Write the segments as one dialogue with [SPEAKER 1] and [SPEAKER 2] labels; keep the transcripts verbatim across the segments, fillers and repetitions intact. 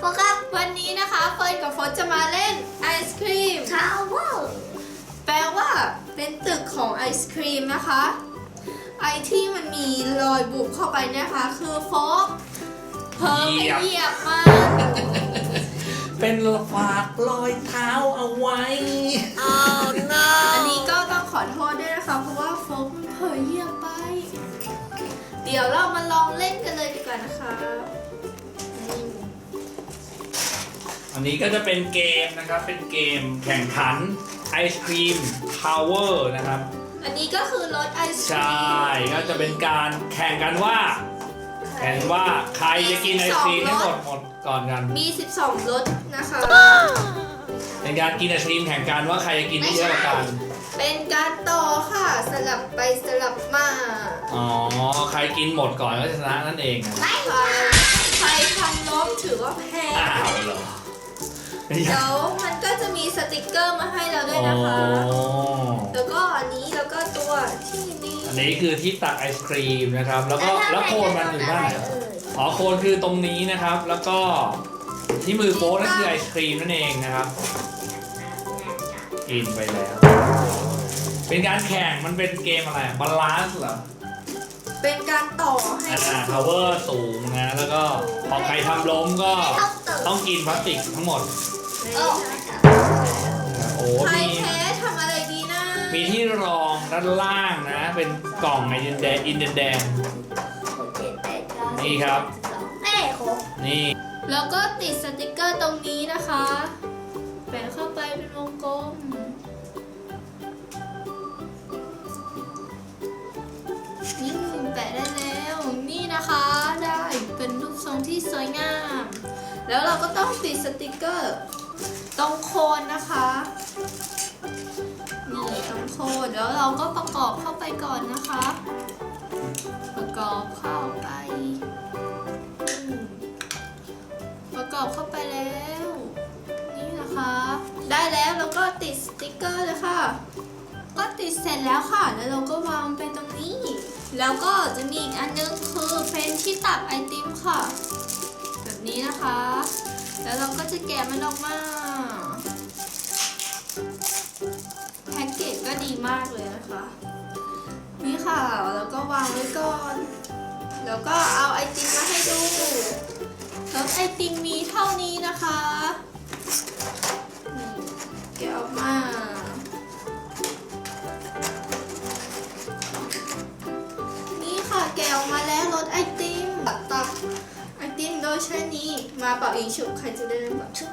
[SPEAKER 1] โฟครับ
[SPEAKER 2] วันนี้นะคะเฟิร์นกับโฟสจะมาเล่นไอศครีม
[SPEAKER 1] ทาวเวอร์
[SPEAKER 2] แปลว่าเป็นตึกของไอศครีมนะคะ ไอที่มันมีรอยบุบเข้าไปนะคะคือโฟกเพิ่มไปเหยียบมา
[SPEAKER 3] เป็นฝากรอยเท้าเอาไว้
[SPEAKER 1] oh no
[SPEAKER 2] อันนี้ก็ต้องขอโทษด้วยนะคะเพราะว่าโฟกมันเผลอเหยียบไป เดี๋ยวเรามาลองเล่นกันเลยดีกว่านะคะอืม
[SPEAKER 3] อันนี้ก็จะเป็นเกมนะครับ เป็นเกมแข่งขันไอศครีมทาวเวอร์นะครับ
[SPEAKER 2] อันนี้ก็คือรสไอศค
[SPEAKER 3] ใช
[SPEAKER 2] รีม
[SPEAKER 3] ่ ก็จะเป็นการแข่งกันว่า แข่งว่าใครจะกินไอศครีมให้หมดหมดก่อนกัน
[SPEAKER 2] มี สิบสองรสนะคะ
[SPEAKER 3] เป็นการกินไอศครีมแข่งกันว่าใครจะกินได้เยอะกว่ากัน
[SPEAKER 2] เป็นการต่อค่ะสลับไปสลับมา
[SPEAKER 3] อ๋อ ใครกินหมดก่อนก็ชนะนั่นเองนะ
[SPEAKER 2] ใครใครทำล้มถือว่าแพ้
[SPEAKER 3] อ้าวเหรอ
[SPEAKER 2] เดี๋ยวมันก็จะมีสติกเกอร์มาให้เราด้วยนะคะ
[SPEAKER 3] อ๋อ
[SPEAKER 2] แล้วก็อันนี้แล้วก็ตัวที่นี่
[SPEAKER 3] อันนี้คือที่ตักไอศครีมนะครับ แล้วก็แล้วโคนมันอยู่ด้านไหนอ๋อโคนคือตรงนี้นะครับ แล้วก็ที่มือโป๊นั่นคือไอศครีมนั่นเองนะครับ กินไปแล้ว เป็นการแข่งมันเป็นเกมอะไรบาลานซ์เหรอ
[SPEAKER 2] เป็นการต่อให้
[SPEAKER 3] อ่า power สูงนะ แล้วก็พอใครทำล้มก็
[SPEAKER 1] ต้องตื่น
[SPEAKER 3] ต้องกินพลาสติกทั้งหมด
[SPEAKER 1] โอ้
[SPEAKER 3] โอ้
[SPEAKER 2] ใคร
[SPEAKER 3] มี
[SPEAKER 2] แพ้ทำอะไรดีนะ
[SPEAKER 3] มีที่รองด้านล่างนะ เป็นกล่องไอเดนแดงอินเดนแดง
[SPEAKER 1] เจ็ดแปดเก้า
[SPEAKER 3] นี่ครับ
[SPEAKER 1] แม่ครบ
[SPEAKER 3] นี่
[SPEAKER 2] แล้วก็ติดสติกเกอร์ตรงนี้นะคะแปะเข้าไปเป็นวงกลมนี่แปะได้แล้วนี่นะคะได้เป็นรูปทรงที่สวยงาม แล้วเราก็ต้องติดสติกเกอร์ตรงโคนนะคะนี่ตรงโคนแล้วเราก็ประกอบเข้าไปก่อนนะคะ ประกอบเข้าไปอืมประกอบเข้าไปแล้ว นี่นะคะ ได้แล้วเราก็ติดสติกเกอร์เลยค่ะ ก็ติดเสร็จแล้วค่ะ แล้วเราก็วางไปตรงนี้ แล้วก็จะมีอีกอันนึงคือเป็นที่ตักไอติมค่ะ แบบนี้นะคะ แล้วเราก็จะแกะมันออกมา แพ็กเกจก็ดีมากเลยนะคะ นี่ค่ะ แล้วก็วางไว้ก่อน แล้วก็เอาไอติมมาให้ดูแล้วไอติมมีเท่านี้นะคะนี่แกะออกมา นี่ค่ะแกะออกมาแล้วรสไอติมตักตักไอติมโดยใช้นี้มาเป่าอีกชุบใครจะได้เริ่มก่อนชุบ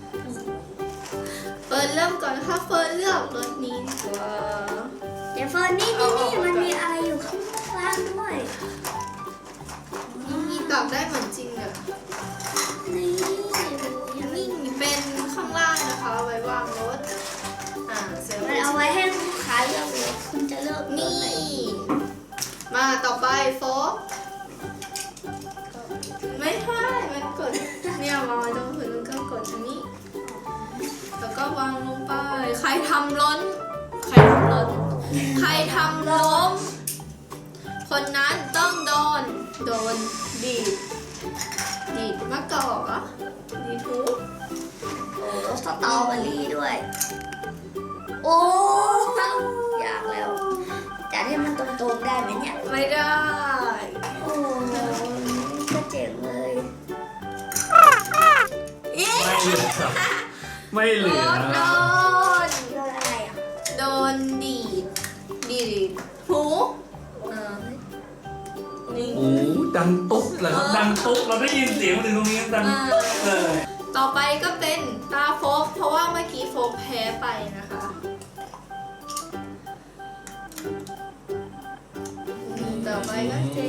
[SPEAKER 2] เฟิร์นเริ่มก่อนนะคะเฟิร์นเลือกรสนี้ดีกว่า
[SPEAKER 1] เดี๋ยวเฟิร์นนี่นี่นี่มันมีอะไรอยู่ข้างล่างด้วย
[SPEAKER 2] นี่ตักได้เหมือนจริงเลย
[SPEAKER 1] นี่
[SPEAKER 2] นี่เป็นข้างล่างนะคะเอาไว้วางรถอ่าเสร็จ
[SPEAKER 1] มันเอาไว้ให้ลูกค้าเลือกเลยคุณจะเลือก
[SPEAKER 2] นี่
[SPEAKER 1] ไหน
[SPEAKER 2] มาต่อไปโฟกไม่ใช่มันกดเนี่ยวางไว้ตรงพื้นแล้วก็กดอันนี้ แล้วก็วางลงไป ใครทำล้น ใครทำล้น ใครทำล้ม คนนั้นต้องโดน โดนดีด ดีดมะกอกเหรอดีดหู
[SPEAKER 1] โอ้สตรอเบอรี่ด้วย โอ้อยากแล้วจะให้มันตรงๆได้ไหมเนี่ย
[SPEAKER 2] ไม่ได้
[SPEAKER 1] โอ้ก็เจ๋งเลย
[SPEAKER 2] เย้
[SPEAKER 3] ไม่เหลือไม่เหลือ
[SPEAKER 2] โดน
[SPEAKER 1] โดนอะไรอ่ะ
[SPEAKER 2] โดนดีด ดีดหูอ่านี่
[SPEAKER 3] โอ้ดังตุ๊บเลยครับดังตุ๊บเราได้ยินเสียงมาถึงตรงนี้ดัง
[SPEAKER 2] อ่า
[SPEAKER 3] เลย
[SPEAKER 2] ต่อไปก็เป็นตาโฟกเพราะว่าเมื่อกี้โฟกแพ้ไปนะคะอืมต่อไปก็เจ๊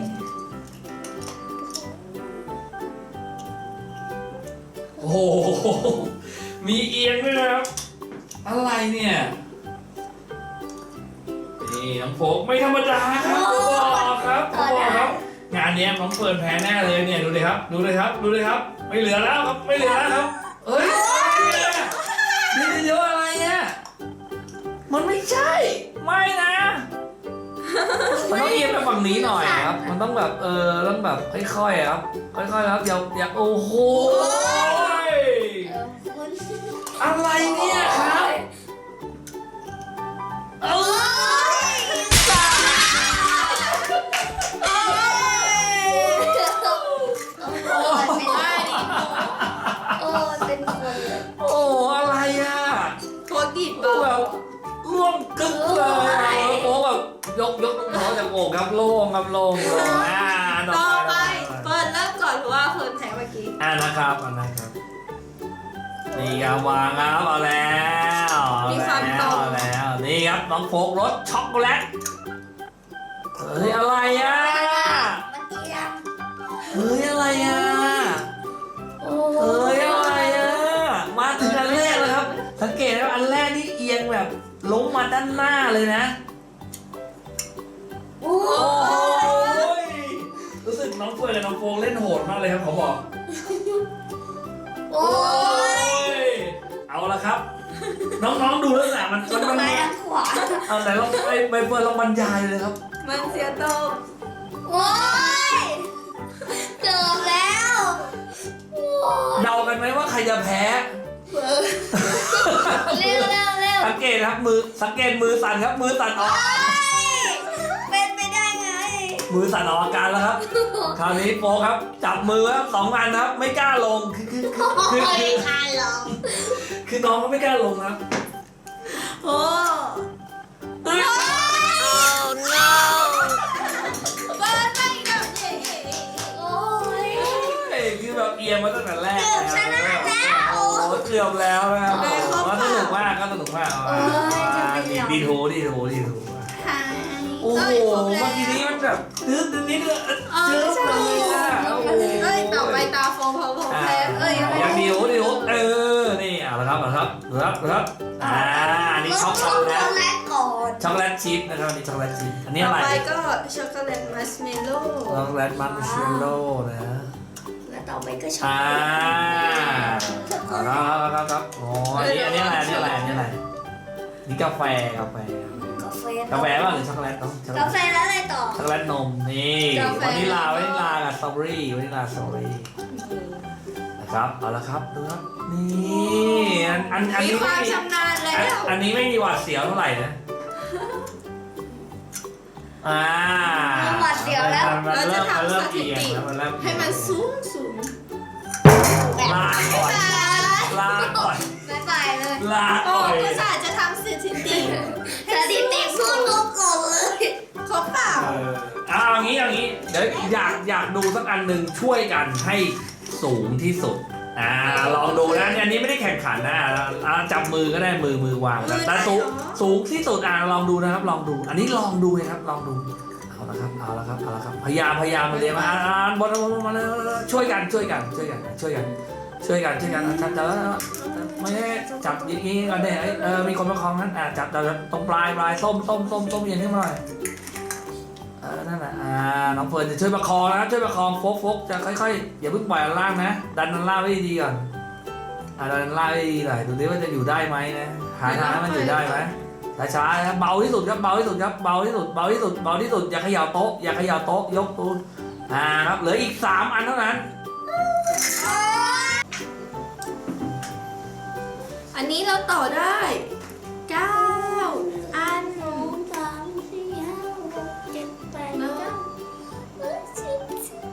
[SPEAKER 3] โอ้โหมีเอียงด้วยนะครับ อะไรเนี่ย นี่น้องโฟกไม่ธรรมดาครับผมบอกครับผมบอกครับ งานเนี้ยน้องเฟิร์นแพ้แน่เลยเนี่ยดูเลยครับ ดูเลยครับ ดูเลยครับ ไม่เหลือแล้วครับ ไม่เหลือแล้วครับเอ้ยนี่จะเยอะอะไรเนี่ยมันไม่ใช่ ไม่นะ มันต้องเอียงไปฝั่งนี้หน่อยครับ มันต้องแบบเออต้องแบบค่อยๆครับค่อยๆครับอย่าอย่าโอ้โห
[SPEAKER 1] เออคุณ
[SPEAKER 3] อะไรเนี่ยครับเอ้
[SPEAKER 1] โอ้
[SPEAKER 3] ย
[SPEAKER 1] ยสามโอ้ยโอ้ยโอ้ยเป็นคนเลย
[SPEAKER 3] โอ้อะไรอ่ะ
[SPEAKER 2] โคตรดิบ
[SPEAKER 3] แบ
[SPEAKER 2] เบา
[SPEAKER 3] บล่วงกึกเลยโอ้แบบยกยกหัวจากอกครับโล่งครับโล่งโล่งอ่า
[SPEAKER 2] ต่อไปเฟิร์นเริ่มก่อนเพราะว่าเฟิร์นแพ้เมื่อกี้
[SPEAKER 3] อ่านะครับอ่านะครับนี่ครับวางครับเอาแล้วเอาแล้วเอาแล้วนี่ครับน้องโฟกรสช็อกโกแลตเฮ้ยอะไรอ่ะ
[SPEAKER 1] มันเอียง
[SPEAKER 3] เฮ้ยอะไรอ่ะ
[SPEAKER 1] โอ้
[SPEAKER 3] เฮ้ยอะไรอ่ะมาถึงอันแรกแล้วครับสังเกตแล้วอันแรกนี่เอียงแบบลงมาด้านหน้าเลยนะ
[SPEAKER 1] โอ้
[SPEAKER 3] โอ้
[SPEAKER 1] ย
[SPEAKER 3] ยรู้สึกน้องเฟิร์นกับน้องโฟงเล่นโหดมากเลยครับเขาบอก
[SPEAKER 1] โอ้ย
[SPEAKER 3] เอาละครับ น้องๆดูแล้วนะมันมันมัน
[SPEAKER 1] ซ้ายทางขวา
[SPEAKER 3] เอาไหนลองไปไปเฟิร์นลองบรรยายเลยครับ
[SPEAKER 2] มันเสียโตม
[SPEAKER 1] โอ้ยเกือบแล้วโอ้ย
[SPEAKER 3] เดากันไหมว่าใครจะแพ้
[SPEAKER 1] เร็วเร็วเร็ว
[SPEAKER 3] สังเกตครับมือสังเกตมือสั่นครับมือสั่นออก
[SPEAKER 1] เป็นไปได้ไง
[SPEAKER 3] มือสั่นออกอาการแล้วครับ คราวนี้โฟครับจับมือครับสองอันครับไม่กล้าลงคือคือ
[SPEAKER 1] โอ้
[SPEAKER 3] คือคื
[SPEAKER 1] ย
[SPEAKER 3] อ
[SPEAKER 1] คานลง
[SPEAKER 3] คือน้องก็ไม่กล้าลงครับ
[SPEAKER 2] โอ้
[SPEAKER 3] เฮ้ย
[SPEAKER 2] เฟิร์นไปอีกแล้วเย้
[SPEAKER 1] โอ้ย
[SPEAKER 3] คือแบบเอียงมาตั้งแต่แรก
[SPEAKER 1] เกือบชนะแล้ว
[SPEAKER 3] โอ้เกือบแล้วนะครับก็สนุกมากก็สนุกมาก
[SPEAKER 1] เออจะไป
[SPEAKER 3] ดี
[SPEAKER 1] ยอม
[SPEAKER 3] ดีโถดีโถดีโถ
[SPEAKER 2] หาย
[SPEAKER 3] โอ้โหเมื่อกี้นี้มันแบบตึ๊ดนิดเดียว
[SPEAKER 2] เออ
[SPEAKER 3] ตึ๊ด
[SPEAKER 2] ใช่
[SPEAKER 3] เลยอ่ะโอ้โห
[SPEAKER 2] เอ้ยต่อไปตาโฟมพอผมแพ้เอ้ยยังไม่
[SPEAKER 3] ยังดีโถดีโถเออนี่เอาละครับเอาละครับดูครับดูครับอ่าอันนี้ช็อกโก
[SPEAKER 1] ช็อก
[SPEAKER 3] แล
[SPEAKER 1] โก
[SPEAKER 3] ต
[SPEAKER 1] แลตก่อน
[SPEAKER 3] ช็อกโกแลตชิพนะครับอันนี้ช็อกโกแลตชิพอันนี้
[SPEAKER 2] ต่อ
[SPEAKER 3] อะไร
[SPEAKER 2] ไปก็ช็อกโกแลตมัสเมลโล่
[SPEAKER 3] ช็อกโกแลตมันเชลโล่นะ
[SPEAKER 1] แล้วต่อไปก็ช็อก
[SPEAKER 3] อ่า
[SPEAKER 1] โกแลต
[SPEAKER 3] ครับครับครับอ๋ออันนี้อันนี้อะไรอันนี้อะไรอันนี้อะไรนี่กาแฟกาแฟ
[SPEAKER 1] กาแฟ
[SPEAKER 3] กาแฟป่ะหรือช็อกโกแลตเนาะช็อกโกแล
[SPEAKER 1] กา
[SPEAKER 3] ต
[SPEAKER 1] แฟแล้วอะไรต่อ
[SPEAKER 3] ช็อกโกแลตนมนี่วานิลาวานิลากับสตรอเบอรี่วานิลาสตรอเบอรี่นะครับเอาละครับดูครับนี่อันอันอัน
[SPEAKER 2] มี
[SPEAKER 3] นี้
[SPEAKER 2] ค
[SPEAKER 3] ไม่
[SPEAKER 2] วาม
[SPEAKER 3] มี
[SPEAKER 2] ชำนาญแล้
[SPEAKER 3] อัน
[SPEAKER 2] ว
[SPEAKER 3] อันนี้ไม่มีหวาดเสียวเท่าไหร่นะอ่ามันเริ่มมันเริ่มเอียงแล้วมันเริ่ม
[SPEAKER 2] ให้มันสูงสูง
[SPEAKER 3] ลาก่อนลาก่อน
[SPEAKER 1] บ๊ายบายเลย
[SPEAKER 3] ลา
[SPEAKER 2] โอ้
[SPEAKER 3] ก่อน
[SPEAKER 2] ก็สาจะทำสถิติ
[SPEAKER 1] สถิติพูดลบก่อนเลย
[SPEAKER 2] ครบเปล่า
[SPEAKER 3] เออเอาอย่างนี้อย่างนี้เดี๋ยวอยากอยากดูสักอันหนึ่งช่วยกันให้สูงที่สุดอ่าลองดูนะอันนี้ไม่ได้แข่งขันนะอ่าจับมือก็ได้มือมือวางแต่แต่สูงสูงที่สุดอ่าลองดูนะครับลองดู อันนี้ลองดูนะครับลองดูเอาละครับเอาละครับเอาละครับพยายามพยายามมาเรียนมาอ่านอ่านบนบนมาเลยช่วยกันช่วยกันช่วยกันช่วยกันช่วยกันช่วยกันจับจับไม่ได้จับอย่างนี้กันเนี่ยเออมีคนประคองนั้นอ่าจับจับตรงปลายปลายส้มส้มส้มส้มเย็นขึ้นมาหน่อยเออนั่นแหละอ่าน้องเฟิร์นจะช่วยประคองนะช่วยประคองโฟกโฟกจะค่อยๆอย่าเพิ่งปล่อยอันล่างนะดันอันล่างไว้ดีก่อนอ่าดันอันล่างไว้ดีหน่อยดูดิว่าจะอยู่ได้ไหมนะหาทางให้มันอยู่ได้ไหมช้าๆครับเบาที่สุดครับเบาที่สุดครับเบาที่สุดเบาที่สุดเบาที่สุดอย่าเขย่าโต๊ะอย่าเขย่าโต๊ะยกตูนอ่าครับเหลืออีกสามอันเท่านั้น
[SPEAKER 2] อันนี้เราต่อได้เก้าอัน
[SPEAKER 1] สองสามสี่ห้าหกเจ็ดแปดเก้าสิบ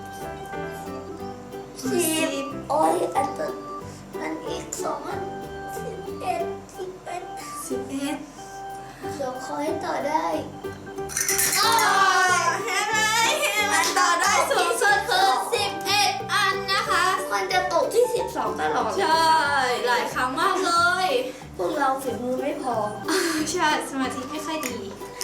[SPEAKER 1] สิบโอ้ยอันตัวอันอีกสองอันสิบเอ็ดสิบเอ็ด
[SPEAKER 2] สิบเอ็ด
[SPEAKER 1] เดี๋ยวขอให้ต่อได้
[SPEAKER 2] ต่อเห็นไหมมันต่อได้สูงสุดคือสิบเอ็ดอันนะคะ
[SPEAKER 1] มันจะตกที่สิบสองตลอด
[SPEAKER 2] ใช่ หลายครั้งมากเลย
[SPEAKER 1] พวกเราฝีมือไม่พอ
[SPEAKER 2] ใช่สมาธิไม่ค่อยดี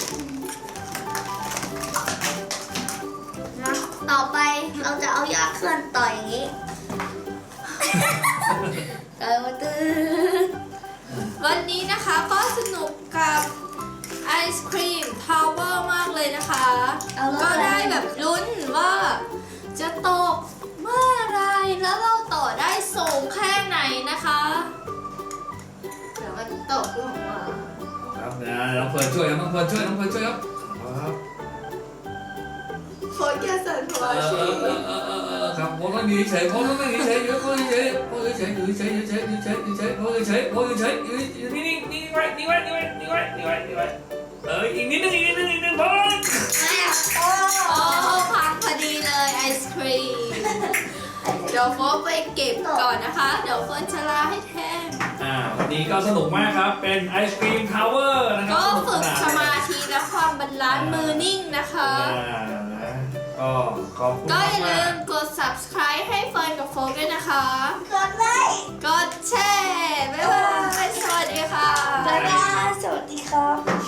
[SPEAKER 2] นะ
[SPEAKER 1] ต่อไปเราจะเอายอดเคลื่อนต่ออย่างนี้ เออมาตื้อ
[SPEAKER 2] วันนี้นะคะก็สนุกกับไอศครีมทาวเวอร์มากเลยนะคะ
[SPEAKER 1] เอาแล้ว
[SPEAKER 2] ก็ได้แบบลุ้นว่าจะตกเมื่อไรแล้วเราต่อได้สูงแค่ไหนนะคะเดี๋ยวมันตกลงมา
[SPEAKER 3] ครับนะน้องเฟิร์นช่วยครับน้องเฟิร์นช่วยน้องเฟิร์นช่วยครับครับ
[SPEAKER 2] โฟกัสสันหัว
[SPEAKER 3] เออ
[SPEAKER 2] ชี
[SPEAKER 3] เออเออเออเออครับโอ้ผมต้องอยู่เฉยผมต้องอยู่เฉยอยู่ผมเฉยผมเฉยอยู่เฉยอยู่เฉยอยู่เฉยอยู่เฉยผมเฉยผมเฉยอยู่นี่นี่นี่ไว้นี่ไว้นี่ไว้นี่ไว้นี่ไว้นี่ไว้เอออีกนิดนึงอีกนิดนึงอีกนิดนึงพอ
[SPEAKER 1] โอ้
[SPEAKER 2] โอ้พังพอดีเลยไอศครีมเดี๋ยวโฟไปเก็บก่อนนะคะ เดี๋ยวเฟิร์นจะลาให้แทน
[SPEAKER 3] อ่าวันนี้ก็สนุกมากครับเป็นไอศครีมทาวเวอร์นะครับ
[SPEAKER 2] ก็ฝึกสมาธิและความบาลานซ์มือนิ่งนะคะ
[SPEAKER 3] ก็ขอบคุณ
[SPEAKER 2] ก็อย่าลื
[SPEAKER 3] มาก
[SPEAKER 2] มกด subscribe ให้เฟิร์นกับโฟกด้วยนะคะ
[SPEAKER 1] กดไลค์
[SPEAKER 2] กดแชร์บ๊ายบาย สวัสดีค่ะ
[SPEAKER 1] บ๊ายบายสวัสดีครับ